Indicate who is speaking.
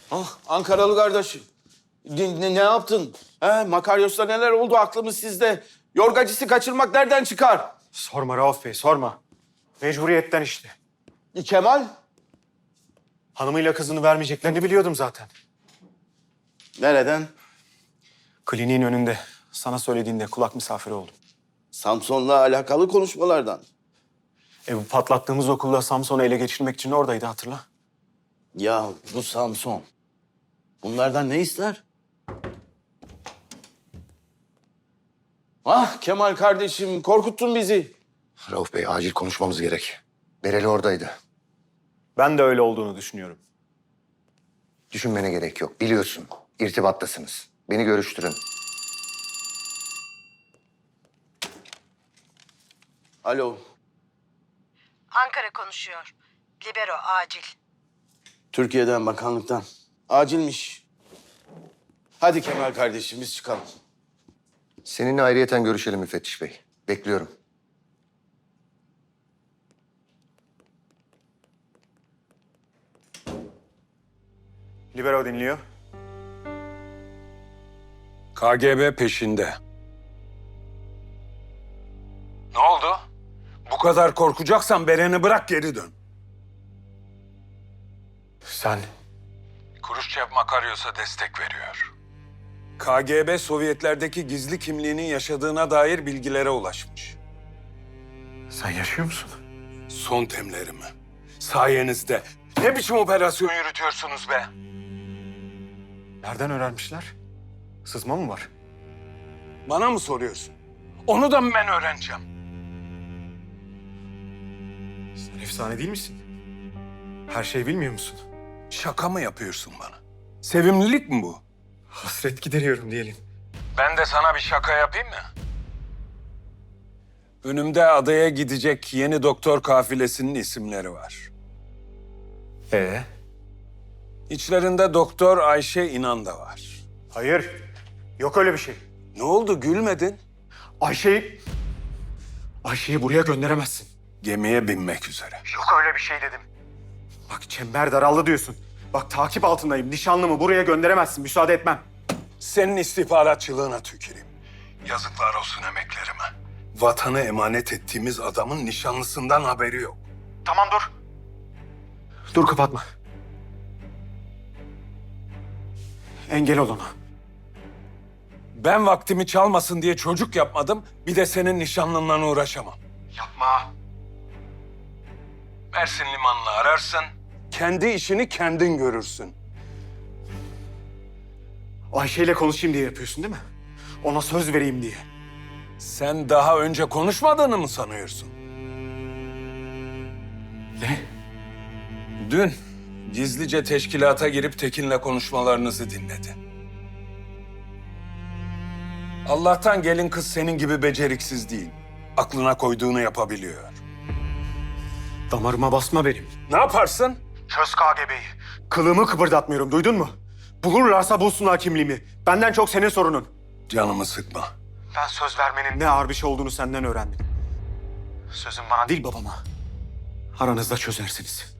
Speaker 1: Ah, Ankaralı kardeşim. Ne yaptın? He, Makaryos'ta neler oldu? Aklımız sizde. Yorgacısı kaçırmak nereden çıkar?
Speaker 2: Sorma Rauf Bey, sorma. Mecburiyetten işte.
Speaker 1: Kemal?
Speaker 2: Hanımıyla kızını vermeyeceklerini biliyordum zaten.
Speaker 1: Nereden?
Speaker 2: Kliniğin önünde. Sana söylediğinde kulak misafiri oldum.
Speaker 1: Samson'la alakalı konuşmalardan.
Speaker 2: Bu patlattığımız okulda Samson'u ele geçirmek için oradaydı, hatırla.
Speaker 1: Ya bu Samson. Bunlardan ne ister? Ah Kemal kardeşim, korkuttun bizi.
Speaker 3: Rauf Bey, acil konuşmamız gerek. Bereli oradaydı.
Speaker 2: Ben de öyle olduğunu düşünüyorum.
Speaker 3: Düşünmene gerek yok. Biliyorsun, irtibattasınız. Beni görüştürün.
Speaker 1: Alo.
Speaker 4: Ankara konuşuyor. Libero acil.
Speaker 1: Türkiye'den, bakanlıktan. Acilmiş. Hadi Kemal kardeşim, biz çıkalım.
Speaker 3: Seninle ayrıyeten görüşelim müfettiş bey. Bekliyorum.
Speaker 2: Libero dinliyor.
Speaker 5: KGB peşinde. Ne oldu? Bu kadar korkacaksan Beren'i bırak geri dön.
Speaker 2: Sen...
Speaker 5: Kruşçev Makaryos'a destek veriyor. KGB Sovyetlerdeki gizli kimliğinin yaşadığına dair bilgilere ulaşmış.
Speaker 2: Sen yaşıyor musun?
Speaker 5: Son temlerimi. Sayenizde. Ne biçim operasyon yürütüyorsunuz be?
Speaker 2: Nereden öğrenmişler? Sızma mı var?
Speaker 5: Bana mı soruyorsun? Onu da mı ben öğreneceğim?
Speaker 2: Sen efsane değil misin? Her şeyi bilmiyor musun?
Speaker 5: Şaka mı yapıyorsun bana? Sevimlilik mi bu?
Speaker 2: Hasret gideriyorum diyelim.
Speaker 5: Ben de sana bir şaka yapayım mı? Önümde adaya gidecek yeni doktor kafilesinin isimleri var. İçlerinde Doktor Ayşe İnan da var.
Speaker 2: Hayır. Yok öyle bir şey.
Speaker 5: Ne oldu, gülmedin?
Speaker 2: Ayşe'yi buraya gönderemezsin.
Speaker 5: Gemiye binmek üzere.
Speaker 2: Yok öyle bir şey dedim. Bak çember daraldı diyorsun. Bak takip altındayım. Nişanlımı buraya gönderemezsin. Müsaade etmem.
Speaker 5: Senin istihbaratçılığına tüküreyim. Yazıklar olsun emeklerime. Vatanı emanet ettiğimiz adamın nişanlısından haberi yok.
Speaker 2: Tamam dur. Dur kapatma. Engel ol ona.
Speaker 5: Ben vaktimi çalmasın diye çocuk yapmadım, bir de senin nişanlınla uğraşamam.
Speaker 2: Yapma.
Speaker 5: Mersin limanını ararsın, kendi işini kendin görürsün.
Speaker 2: Ayşe'yle konuşayım diye yapıyorsun değil mi? Ona söz vereyim diye.
Speaker 5: Sen daha önce konuşmadığını mı sanıyorsun?
Speaker 2: Ne?
Speaker 5: Dün gizlice teşkilata girip Tekin'le konuşmalarınızı dinledi. Allah'tan gelin kız senin gibi beceriksiz değil. Aklına koyduğunu yapabiliyor.
Speaker 2: Damarıma basma benim.
Speaker 5: Ne yaparsın?
Speaker 2: Çöz KGB'yi. Kılımı kıpırdatmıyorum, duydun mu? Bulurlarsa bulsunlar kimliğimi. Benden çok senin sorunun.
Speaker 5: Canımı sıkma.
Speaker 2: Ben söz vermenin ne ağır bir şey olduğunu senden öğrendim. Sözün bana değil babama. Aranızda çözersiniz.